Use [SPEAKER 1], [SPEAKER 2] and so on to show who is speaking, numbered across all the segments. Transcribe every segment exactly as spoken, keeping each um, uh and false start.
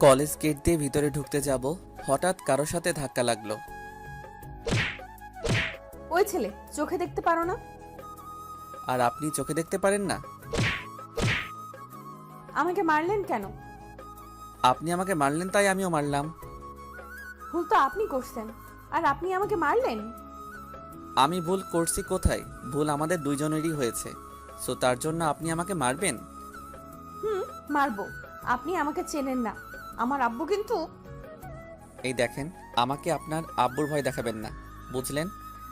[SPEAKER 1] College gate দিয়ে ভিতরে ঢুকতে যাব, হঠাৎ কারোর সাথে ধাক্কা লাগলো।
[SPEAKER 2] ওই ছেলে, চোখে দেখতে পারো না?
[SPEAKER 1] আর আপনি চোখে দেখতে পারেন না?
[SPEAKER 2] আমাকে মারলেন কেন?
[SPEAKER 1] আপনি আমাকে মারলেন তাই আমিও মারলাম।
[SPEAKER 2] ভুল তো আপনি করছেন, আর আপনি আমাকে মারলেন।
[SPEAKER 1] আমি ভুল করছি কোথায়? ভুল আমাদের দুইজনেরই হয়েছে, সো তার জন্য আপনি আমাকে মারবেন?
[SPEAKER 2] হুম, মারবো। আপনি আমাকে চেনেন না। আমার আব্বু কিন্তু।
[SPEAKER 1] এই দেখেন, আমাকে আপনার আব্বুর ভয় দেখাবেন না, বুঝলেন?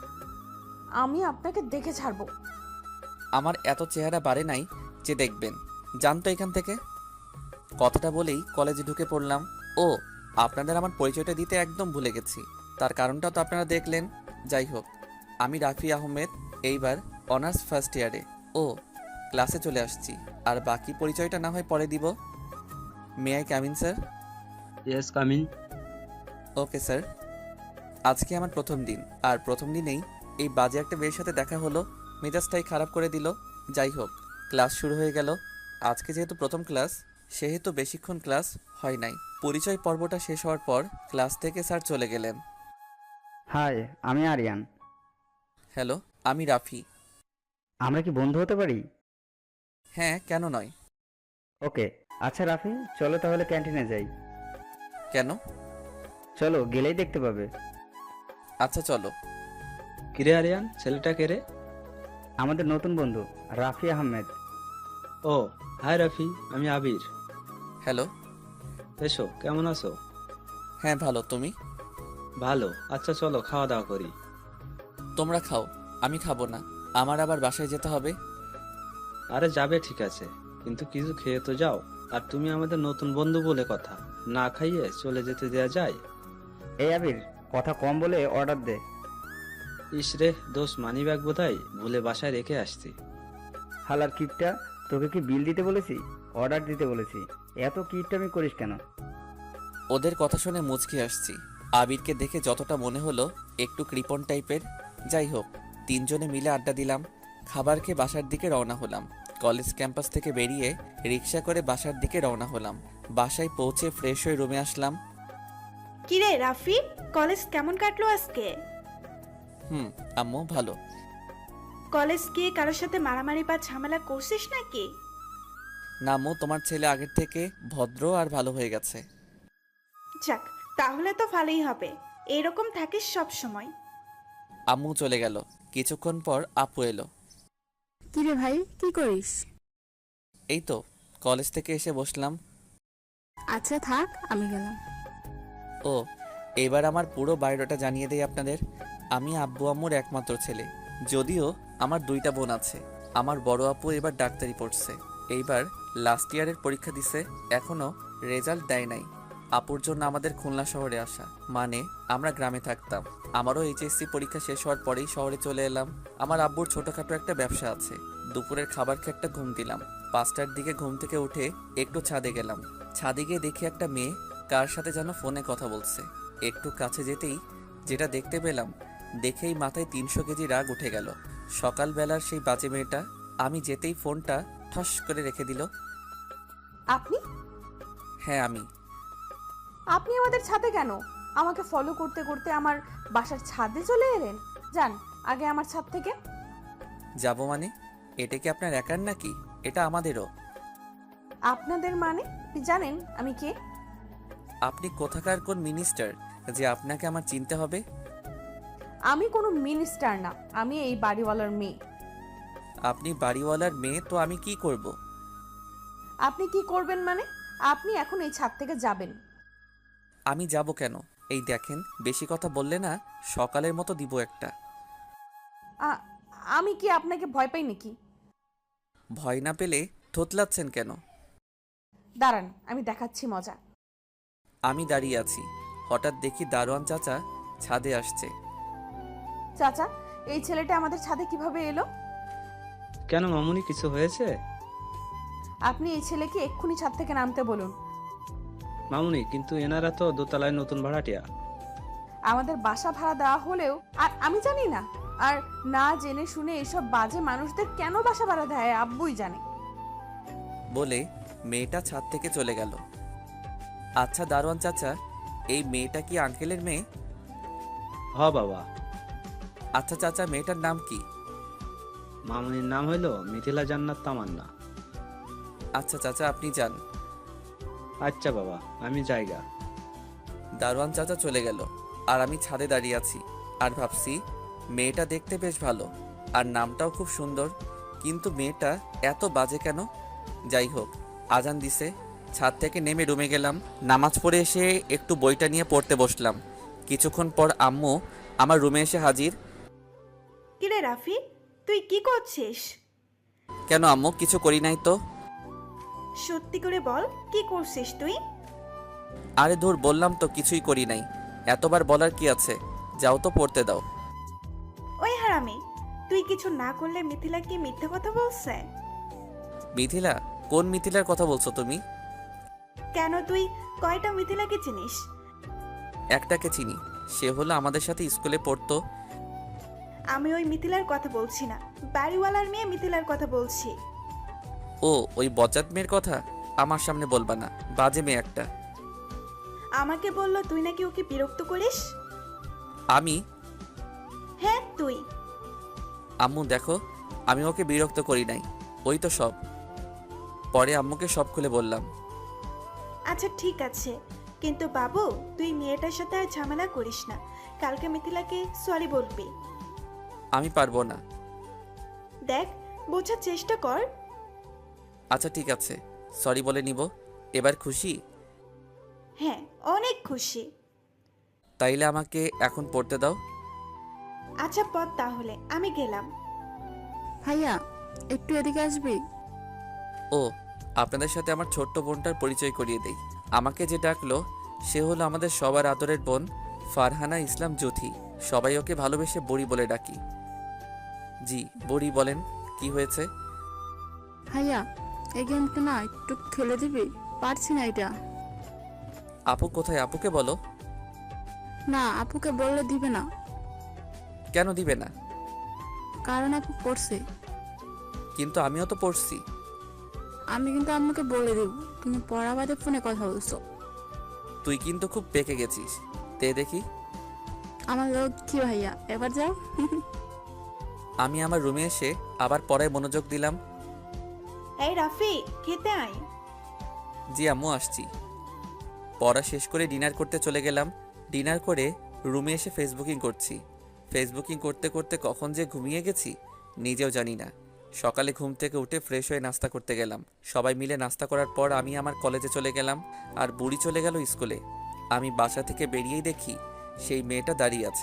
[SPEAKER 2] আমি আপনাকে দেখে ছাড়বো।
[SPEAKER 1] আমার এত চেহারা বাড়ে নাই যে দেখবেন। জানতো এখান থেকে। কথাটা বলেই কলেজে ঢুকে পড়লাম। ও, আপনাদের আমার পরিচয়টা দিতে একদম ভুলে গেছি। তার কারণটা তো আপনারা দেখলেন। যাই হোক, আমি রাফি আহমেদ, এইবার অনার্স ফার্স্ট ইয়ারে। ও, ক্লাসে চলে আসছি। আর বাকি পরিচয়টা না হয় পরে দিব। মে আই কামিন স্যার?
[SPEAKER 3] Yes, coming.
[SPEAKER 1] Okay sir. আজকে আমার প্রথম দিন, আর প্রথম দিনেই এই বাজে একটা মেয়ের সাথে দেখা হলো, মেজাজটাই খারাপ করে দিল। যাই হোক, ক্লাস শুরু হয়ে গেল। আজকে যেহেতু প্রথম ক্লাস, সেহেতু বেশিক্ষণ ক্লাস হয় নাই। পরিচয় পর্বটা শেষ হওয়ার পর ক্লাস থেকে স্যার চলে গেলেন।
[SPEAKER 4] হাই, আমি আরিয়ান।
[SPEAKER 1] হ্যালো, আমি রাফি।
[SPEAKER 4] আমরা কি বন্ধু হতে পারি?
[SPEAKER 1] হ্যাঁ, কেন নয়?
[SPEAKER 4] ওকে। আচ্ছা রাফি, চলো তাহলে ক্যান্টিনে যাই।
[SPEAKER 1] কেন?
[SPEAKER 4] চলো, গেলেই দেখতে পাবে।
[SPEAKER 1] আচ্ছা চলো।
[SPEAKER 3] কিরে আরিয়ান, ছেলেটা কে রে?
[SPEAKER 4] আমাদের নতুন বন্ধু রাফি আহমেদ।
[SPEAKER 3] ও, হাই রাফি, আমি আবির।
[SPEAKER 1] হ্যালো।
[SPEAKER 3] এসো, কেমন আছো?
[SPEAKER 1] হ্যাঁ ভালো, তুমি?
[SPEAKER 3] ভালো। আচ্ছা চলো খাওয়া দাওয়া করি।
[SPEAKER 1] তোমরা খাও, আমি খাবো না। আমার আবার বাসায় যেতে হবে।
[SPEAKER 3] আরে যাবে ঠিক আছে, কিন্তু কিছু খেয়ে তো যাও। আর তুমি আমাদের নতুন বন্ধু বলে কথা, না খাইয়ে চলে যেতে দেয়া যায়?
[SPEAKER 4] এই আবির, কথা কম বলে অর্ডার দে।
[SPEAKER 3] ইস রে, দোষ মানি ব্যাগ বোধহয় ভুলে বাসায় রেখে আসছি।
[SPEAKER 4] হালার কিটটা, তোকে কি বিল দিতে বলেছি? অর্ডার দিতে বলেছি। এত কিটটামি করিস কেন?
[SPEAKER 1] ওদের কথা শুনে মুচকি আসছি। আবিরকে দেখে যতটা মনে হলো একটু কৃপণ টাইপের। যাই হোক, তিনজনে মিলে আড্ডা দিলাম। খাবার খেয়ে বাসার দিকে রওনা হলাম। কলেজ ক্যাম্পাস থেকে বেরিয়ে রিক্সা করে বাসার দিকে রওনা হলাম। বাসায় পৌঁছে ফ্রেশ হয়ে রুমে আসলাম।
[SPEAKER 5] কিরে রাফি, কলেজ কেমন কাটলো আজকে?
[SPEAKER 1] হুম আম্মু, ভালো।
[SPEAKER 5] কলেজ গিয়ে কারোর সাথে মারামারি বা ঝামেলা করছিস নাকি?
[SPEAKER 1] না আম্মু, তোমার ছেলে আগের থেকে ভদ্র আর ভালো হয়ে গেছে।
[SPEAKER 5] যাক, তাহলে তো ভালোই হবে। এরকম থাকিস সব সময়।
[SPEAKER 1] আম্মু চলে গেল। কিছুক্ষণ পর আপু এলো।
[SPEAKER 6] কিরে ভাই, কি করিস?
[SPEAKER 1] এই তো কলেজ থেকে এসে বসলাম।
[SPEAKER 6] আচ্ছা থাক, আমি গেলাম।
[SPEAKER 1] ও, এবার আমার পুরো বায়োডাটা জানিয়ে দেই আপনাদের। আমি আব্বু আম্মুর একমাত্র ছেলে, যদিও আমার দুইটা বোন আছে। আমার বড় আপু এবার ডাক্তারি পড়ছে, এইবার লাস্ট ইয়ারের পরীক্ষা দিছে, এখনো রেজাল্ট দেয় নাই। আপুর জন্য আমাদের খুলনা শহরে আসা, মানে আমরা গ্রামে থাকতাম। আমারও এইচএসসি পরীক্ষা শেষ হওয়ার পরেই শহরে চলে এলাম। আমার আব্বুর ছোটখাটো একটা ব্যবসা আছে। দুপুরের খাবার খেয়ে একটা ঘুম দিলাম। পাঁচটার দিকে ঘুম থেকে উঠে একটু ছাদে গেলাম। ছাদে গিয়ে দেখি একটা মেয়ে কার সাথে যেন ফোনে কথা বলছে। একটু কাছে যেতেই যেটা দেখতে পেলাম, দেখেই মাথায় তিনশো কেজি রাগ উঠে গেল। সকালবেলার সেই বাজে মেয়েটা আমি যেতেই ফোনটা ঠস করে রেখে দিল।
[SPEAKER 2] আপনি?
[SPEAKER 1] হ্যাঁ আমি।
[SPEAKER 2] আপনি আমাদের ছাদে কেন? আমাকে ফলো করতে করতে আমার বাসার ছাদে চলে এলেন। যান আগে আমার ছাদ থেকে।
[SPEAKER 1] যাব মানে? এটা কি আপনার একার নাকি? এটা আমাদেরও।
[SPEAKER 2] আপনাদের মানে? আপনি জানেন আমি কে?
[SPEAKER 1] আপনি কোথাকার কোন মিনিস্টার যে আপনাকে আমার চিনতে হবে?
[SPEAKER 2] আমি কোনো মিনিস্টার না, আমি এই বাড়িওয়ালার মেয়ে।
[SPEAKER 1] আপনি বাড়িওয়ালার মেয়ে তো আমি কি করব?
[SPEAKER 2] আপনি কি করবেন মানে? আপনি এখন এই ছাদ থেকে যাবেন।
[SPEAKER 1] আমি যাব কেন? এই দেখেন, বেশি কথা বললে না সকালের মতো দিব একটা।
[SPEAKER 2] আ- আমি কি আপনাকে ভয় পাই নাকি?
[SPEAKER 1] ভয় না পেলে থতলাচ্ছেন কেন?
[SPEAKER 2] দাঁড়ান, আমি দেখাচ্ছি মজা।
[SPEAKER 1] আমি দাঁড়িয়ে আছি, হঠাৎ দেখি দারোয়ান চাচা ছাদে আসছে।
[SPEAKER 2] চাচা, এই ছেলেটা আমাদের ছাদে কিভাবে এলো?
[SPEAKER 3] কেন মামুনি, কিছু হয়েছে?
[SPEAKER 2] আপনি এই ছেলেকে এক্ষুনি ছাদ থেকে নামতে বলুন।
[SPEAKER 3] মামুনি, কিন্তু এনারা তো দোতলায় নতুন ভাড়াটিয়া।
[SPEAKER 2] আমাদের বাসা ভাড়া দেওয়া হলেও আর আমি জানি না। আর না জেনে শুনে এসব বাজে মানুষদের কেন বাসা ভাড়া দেয় আব্বুই জানে।
[SPEAKER 1] বলে মেয়েটা ছাদ থেকে চলে গেল। আচ্ছা দারোয়ান চাচা, এই মেয়েটা কি আঙ্কেলের মেয়ে?
[SPEAKER 3] হ বাবা।
[SPEAKER 1] আচ্ছা চাচা, মেয়েটার নাম কি?
[SPEAKER 3] মামুনির নাম হইল মিথিলা জান্নাত তামান্না।
[SPEAKER 1] আচ্ছা চাচা, আপনি যান।
[SPEAKER 3] আচ্ছা বাবা, আমি জায়গা।
[SPEAKER 1] দারোয়ান চাচা চলে গেল, আর আমি ছাদে দাঁড়িয়ে আছি আর ভাবছি মেয়েটা দেখতে বেশ ভালো আর নামটাও খুব সুন্দর, কিন্তু মেয়েটা এত বাজে কেন? যাই হোক, আজান দিছে, ছাদ থেকে নেমে রুমে গেলাম। নামাজ পড়ে এসে একটু বইটা নিয়ে পড়তে বসলাম। কিছুক্ষণ পর আম্মু আমার রুমে এসে হাজির।
[SPEAKER 5] কিরে রাফি, তুই কি করছিস?
[SPEAKER 1] কেন আম্মু, কিছু করি নাই তো।
[SPEAKER 5] সত্যি করে বল, কি করছিস তুই?
[SPEAKER 1] আরে ধুর, বললাম তো কিছুই করি নাই, এতবার বলার কি আছে, যাও তো পড়তে দাও।
[SPEAKER 5] ওই হারামি, তুই কিছু না করলে মিথিলা কি মিথ্যে কথা বলছে?
[SPEAKER 1] মিথিলা? কোন মিথিলার কথা বলছো তুমি?
[SPEAKER 5] কেন, তুই কয়টা মিথিলাকে চিনিস?
[SPEAKER 1] একটাকে চিনি, সে হলো আমাদের সাথে স্কুলে পড়তো।
[SPEAKER 5] আমি ওই মিথিলার কথা বলছি না, বাড়িওয়ালার মেয়ে মিথিলার কথা বলছি।
[SPEAKER 1] ও, ওই বজ্জাত মেয়ের কথা আমার সামনে বলবা না, বাজে মেয়ে একটা।
[SPEAKER 5] আমাকে বলল তুই নাকি ওকে বিরক্ত করিস।
[SPEAKER 1] আমি?
[SPEAKER 5] হ্যাঁ তুই।
[SPEAKER 1] আম্মু দেখো, আমি ওকে বিরক্ত করি নাই, ওই তো সব। পরে আম্মুকে সব খুলে বললাম।
[SPEAKER 5] আচ্ছা ঠিক আছে, কিন্তু বাবু তুই মেয়েটার সাথে আর ঝামেলা করিস না, কালকে মিথিলাকে সরি বলবি।
[SPEAKER 1] আমি পারবো না।
[SPEAKER 5] দেখ, বোঝার চেষ্টা কর।
[SPEAKER 1] আচ্ছা ঠিক আছে, সরি বলে নিব। এবার খুশি?
[SPEAKER 5] হ্যাঁ, অনেক খুশি।
[SPEAKER 1] তাইলে আমাকে এখন পড়তে দাও।
[SPEAKER 5] আচ্ছা পথ, তাহলে আমি গেলাম।
[SPEAKER 6] ভাইয়া, একটু এদিকে আসবি?
[SPEAKER 1] ও, আপনাদের সাথে আমার ছোট্ট বোনটার পরিচয় করিয়ে দেই। আমাকে যে ডাকলো সে হলো আমাদের সবার আদরের বোন ফারহানা ইসলাম জ্যোথি। সবাই ওকে ভালোবেসে বড়ি বলে ডাকি। জি বড়ি, বলেন কি হয়েছে?
[SPEAKER 6] ভাইয়া, এই গেমটা না একটু খেলে দিবি? পারছি না এটা।
[SPEAKER 1] আপু কোথায়? আপুকে বলো।
[SPEAKER 6] না, আপুকে বললে দিবে না।
[SPEAKER 1] কেন দিবে না?
[SPEAKER 6] কারণ আপু পড়ছে।
[SPEAKER 1] কিন্তু আমিও তো পড়ছি।
[SPEAKER 6] আমি কিন্তু আম্মুকে বলে দেব তুমি পড়া বাদে ফোনে কথা বলছো।
[SPEAKER 1] তুই কিন্তু খুব পেকে গেছিস, তে দেখি।
[SPEAKER 6] আমার লোক কি ভাইয়া, এবার যাও।
[SPEAKER 1] আমি আমার রুমে এসে আবার পড়ায় মনোযোগ দিলাম।
[SPEAKER 5] এই রাফি, খেতে আয়।
[SPEAKER 1] জি আম্মু, আসছি। পড়া শেষ করে ডিনার করতে চলে গেলাম। ডিনার করে রুমে এসে ফেসবুকিং করছি। ফেসবুকিং করতে করতে কখন যে ঘুমিয়ে গেছি নিজেও জানি না। সকালে ঘুম থেকে উঠে ফ্রেশ হয়ে নাস্তা করতে গেলাম। সবাই মিলে নাস্তা করার পর আমি আমার কলেজে চলে গেলাম, আর বুড়ি চলে গেল স্কুলে। আমি বাসা থেকে বেরিয়েই দেখি সেই মেয়েটা দাঁড়িয়ে আছে।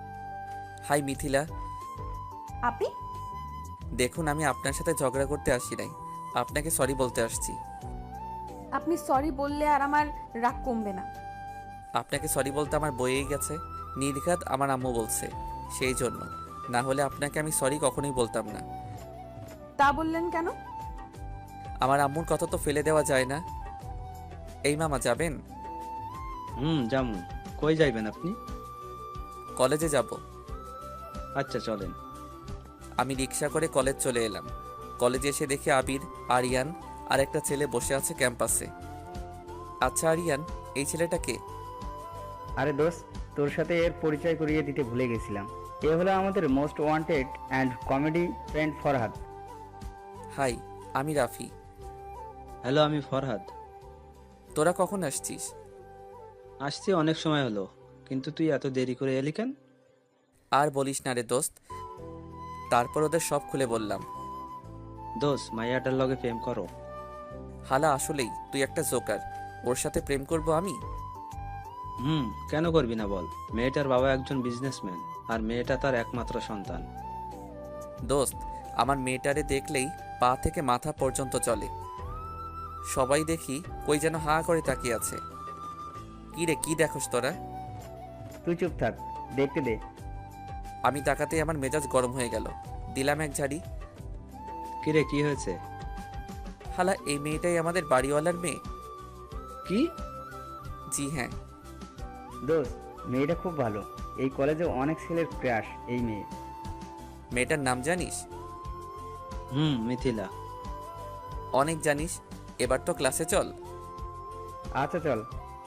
[SPEAKER 1] হাই মিথিলা।
[SPEAKER 2] আপনি?
[SPEAKER 1] দেখুন, আমি আপনার সাথে ঝগড়া করতে আসি নাই, আপনাকে সরি বলতে আসছি।
[SPEAKER 2] আপনি সরি বললে আর আমার রাগ কমবে না।
[SPEAKER 1] আপনাকে সরি বলতে আমার বইয়েই গেছে, নির্ঘাত আমার আম্মু বলছে, সেই জন্য। না হলে আপনাকে আমি সরি কখনোই বলতাম না।
[SPEAKER 2] তা বললেন কেন?
[SPEAKER 1] আমার আম্মুর কথা তো ফেলে দেওয়া যায় না। এই মামা, যাবেন?
[SPEAKER 3] হুম, জামু। কই যাইবেন আপনি?
[SPEAKER 1] কলেজে যাব।
[SPEAKER 3] আচ্ছা চলেন।
[SPEAKER 1] আমি রিক্সা করে কলেজ চলে এলাম। কলেজে এসে দেখি আবির, আরিয়ান আর একটা ছেলে বসে আছে ক্যাম্পাসে। আচ্ছা আরিয়ান, এই ছেলেটাকে?
[SPEAKER 4] আরে দোস্ত, তোর সাথে এর পরিচয় করিয়ে দিতে ভুলে গেছিলাম। এ হলো আমাদের most wanted and comedy friend Farhad.
[SPEAKER 1] Hi, আমি রাফি।
[SPEAKER 3] হ্যালো, আমি ফরহাদ।
[SPEAKER 1] তোরা কখন আসছিস?
[SPEAKER 3] আসছি অনেক সময় হলো, কিন্তু তুই এত দেরি করে এলি কেন?
[SPEAKER 1] আর বলিস না রে দোস্ত। তারপর ওদের সব খুলে বললাম।
[SPEAKER 3] দোষ, মাইয়াটার লগে প্রেম করো?
[SPEAKER 1] হালা, আসলেই তুই একটা জোকার। ওর সাথে প্রেম করব আমি?
[SPEAKER 3] হুম, কেন করবি না বল। মেয়েটার বাবা একজন বিজনেসম্যান, আর মেয়েটা তার একমাত্র সন্তান।
[SPEAKER 1] দোস্ত, আমার মেয়েটারে দেখলেই পা থেকে মাথা পর্যন্ত চলে। সবাই দেখি কই যেন হা করে তাকিয়ে আছে। কি রে, কি দেখোস তোরা?
[SPEAKER 4] তুই চুপ থাক, দেখতে দে।
[SPEAKER 1] আমি তাকাতেই আমার মেজাজ গরম হয়ে গেল। দিলাম এক ঝাড়ি।
[SPEAKER 3] কিরে, কি হয়েছে?
[SPEAKER 1] হালা, এই মেয়েটাই আমাদের বাড়িওয়ালার মেয়ে।
[SPEAKER 3] কি?
[SPEAKER 1] জি হ্যাঁ।
[SPEAKER 4] দোস্ত, মেয়েটা খুব ভালো। এই কলেজে অনেক ছেলের ক্রাশ এই মেয়ে।
[SPEAKER 1] মেয়েটার নাম জানিস?
[SPEAKER 3] হুম, মিথিলা।
[SPEAKER 1] অনেক জানিস। এবার তো ক্লাসে চল।
[SPEAKER 4] আচ্ছা চল।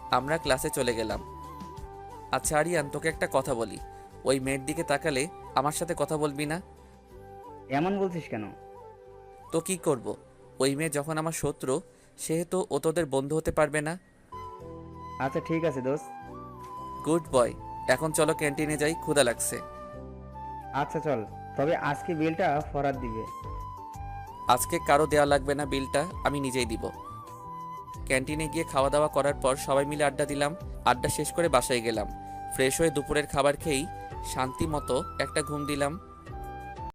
[SPEAKER 1] আমরা ক্লাসে চলে গেলাম। আচ্ছা আরিয়ান, তোকে একটা কথা বলি, ওই মেয়ের দিকে তাকালে আমার সাথে কথা বলবি না?
[SPEAKER 4] এমন বলছিস কেন?
[SPEAKER 1] তো কি করব? ওই মেয়ে যখন আমার শত্রু, সেহেতু ও তোদের বন্ধু হতে পারবে না।
[SPEAKER 4] আচ্ছা ঠিক আছে দোস্ত।
[SPEAKER 1] গুড বয়, এখন চলো ক্যান্টিনে যাই, ক্ষুধা লাগছে।
[SPEAKER 4] আচ্ছা চল, তবে আজকে বিলটা ফরাত দিবে।
[SPEAKER 1] আজকে কারো দেওয়া লাগবে না বিলটা, আমি নিজেই দিব। ক্যান্টিনে গিয়ে খাওয়া দাওয়া করার পর সবাই মিলে আড্ডা দিলাম। আড্ডা শেষ করে বাসায় গেলাম। ফ্রেশ হয়ে দুপুরের খাবার খেয়েই শান্তি মতো একটা ঘুম দিলাম।